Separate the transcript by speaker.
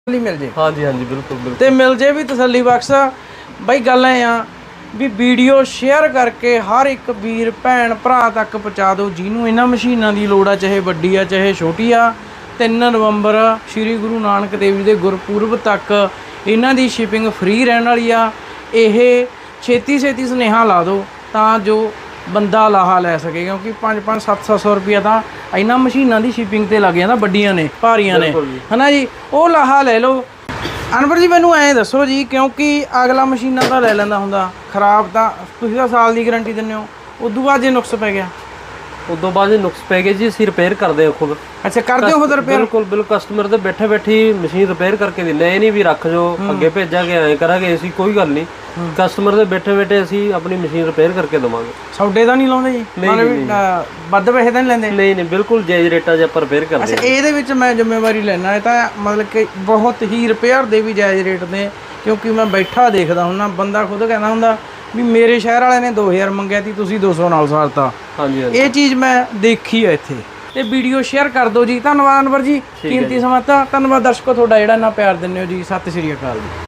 Speaker 1: ਮਿਲ ਜੇ।
Speaker 2: ਹਾਂਜੀ ਹਾਂਜੀ ਬਿਲਕੁਲ ਬਿਲਕੁਲ।
Speaker 1: ਤੇ ਮਿਲ ਜੇ ਵੀ ਤਸੱਲੀ ਬਖਸ਼ ਬਾਈ। ਗੱਲ ਐ ਆ ਵੀ ਵੀਡੀਓ ਸ਼ੇਅਰ ਕਰਕੇ ਹਰ ਇੱਕ ਵੀਰ ਭੈਣ ਭਰਾ ਤੱਕ ਪਹੁੰਚਾ ਦਿਓ ਜਿਹਨੂੰ ਇਹਨਾਂ ਮਸ਼ੀਨਾਂ ਦੀ ਲੋੜ ਆ, ਚਾਹੇ ਵੱਡੀ ਆ ਚਾਹੇ ਛੋਟੀ ਆ। 3 ਨਵੰਬਰ ਸ਼੍ਰੀ ਗੁਰੂ ਨਾਨਕ ਦੇਵ ਜੀ ਦੇ ਗੁਰਪੁਰਬ ਤੱਕ ਇਹਨਾਂ ਦੀ ਸ਼ਿਪਿੰਗ ਫ੍ਰੀ ਰਹਿਣ ਵਾਲੀ ਆ। ਇਹ ਛੇਤੀ ਸੁਨੇਹਾ ਲਾ ਦਿਓ ਤਾਂ ਜੋ ਬੰਦਾ ਲਾਹਾ ਲੈ ਸਕੇ, ਕਿਉਂਕਿ 500-700 ਰੁਪਇਆ ਤਾਂ ਇਹਨਾਂ ਮਸ਼ੀਨਾਂ ਦੀ ਸ਼ਿਪਿੰਗ ਤੇ ਲੱਗ ਜਾਂਦਾ, ਵੱਡੀਆਂ ਨੇ ਭਾਰੀਆਂ ਨੇ, ਹਨਾ ਜੀ। ਉਹ ਲਾਹਾ ਲੈ ਲਓ। ਅਨਵਰ ਜੀ ਮੈਨੂੰ ਐਂ ਦੱਸੋ ਜੀ, ਕਿਉਂਕਿ ਅਗਲਾ ਮਸ਼ੀਨਾਂ ਤਾਂ ਲੈ ਲੈਂਦਾ ਹੁੰਦਾ, ਖਰਾਬ ਤਾਂ ਤੁਸੀਂ ਤਾਂ ਸਾਲ ਦੀ ਗਾਰੰਟੀ ਦਿੰਦੇ ਹੋ, ਉਦੋਂ ਬਾਅਦ ਜੇ ਨੁਕਸ ਪੈ ਗਿਆ?
Speaker 2: ਉਦੋਂ ਬਾਅਦ ਜੇ ਨੁਕਸ ਪੈ ਗਏ ਜੀ ਅਸੀਂ ਰਿਪੇਅਰ ਕਰਦੇ ਹਾਂ ਖੁਦ।
Speaker 1: ਅੱਛਾ, ਕਰਦੇ ਹੋ ਖੁਦ ਰਿਪੇਅਰ?
Speaker 2: ਬਿਲਕੁਲ ਬਿਲਕੁਲ। ਕਸਟਮਰ ਦੇ ਬੈਠੇ ਬੈਠੀ ਮਸ਼ੀਨ ਰਿਪੇਅਰ ਕਰਕੇ ਦਿੰਦੇ। ਇਹ ਨਹੀਂ ਵੀ ਰੱਖ ਜੋ ਅੱਗੇ ਭੇਜਾਂਗੇ ਐਂ ਕਰਾਂਗੇ ਅਸੀਂ, ਕੋਈ ਗੱਲ ਨਹੀਂ। ਕਸਟਮਰ ਦੇ ਬੈਠੇ ਬੈਠੇ ਅਸੀਂ ਆਪਣੀ ਮਸ਼ੀਨ ਰਿਪੇਅਰ ਕਰਕੇ ਦੇਵਾਂਗੇ।
Speaker 1: ਸੌਡੇ ਤਾਂ ਨਹੀਂ ਲਾਉਂਦੇ ਜੀ? ਵੱਧ ਪੈਸੇ ਤਾਂ ਨਹੀਂ ਲੈਂਦੇ?
Speaker 2: ਨਹੀਂ ਨਹੀਂ, ਬਿਲਕੁਲ ਜਾਇਜ਼ ਰੇਟਾਂ 'ਚ ਆਪਾਂ ਰਿਪੇਅਰ ਕਰਦੇ।
Speaker 1: ਅੱਛਾ, ਇਹਦੇ ਵਿੱਚ ਮੈਂ ਜ਼ਿੰਮੇਵਾਰੀ ਲੈਣਾ, ਇਹ ਤਾਂ ਮਤਲਬ ਕਿ ਬਹੁਤ ਹੀ ਰਿਪੇਅਰ ਦੇ ਵੀ ਜਾਇਜ਼ ਰੇਟ ਨੇ, ਕਿਉਂਕਿ ਮੈਂ ਬੈਠਾ ਦੇਖਦਾ ਹੁੰਦਾ, ਬੰਦਾ ਖੁਦ ਕਹਿੰਦਾ ਹੁੰਦਾ ਵੀ ਮੇਰੇ ਸ਼ਹਿਰ ਵਾਲੇ ਨੇ 2000 ਮੰਗਿਆ ਸੀ, ਤੁਸੀਂ 200 ਨਾਲ ਸਾਰਤਾ।
Speaker 2: ਹਾਂਜੀ ਹਾਂਜੀ,
Speaker 1: ਇਹ ਚੀਜ਼ ਮੈਂ ਦੇਖੀ ਹੈ ਇੱਥੇ। ਤੇ ਵੀਡੀਓ ਸ਼ੇਅਰ ਕਰ ਦਿਓ ਜੀ। ਧੰਨਵਾਦ ਅਨਵਰ ਜੀ, ਕੀਮਤੀ ਸਮਾਂ। ਧੰਨਵਾਦ ਦਰਸ਼ਕੋ ਤੁਹਾਡਾ ਜਿਹੜਾ ਇੰਨਾ ਪਿਆਰ ਦਿੰਦੇ ਹੋ ਜੀ। ਸਤਿ ਸ਼੍ਰੀ ਅਕਾਲ ਜੀ।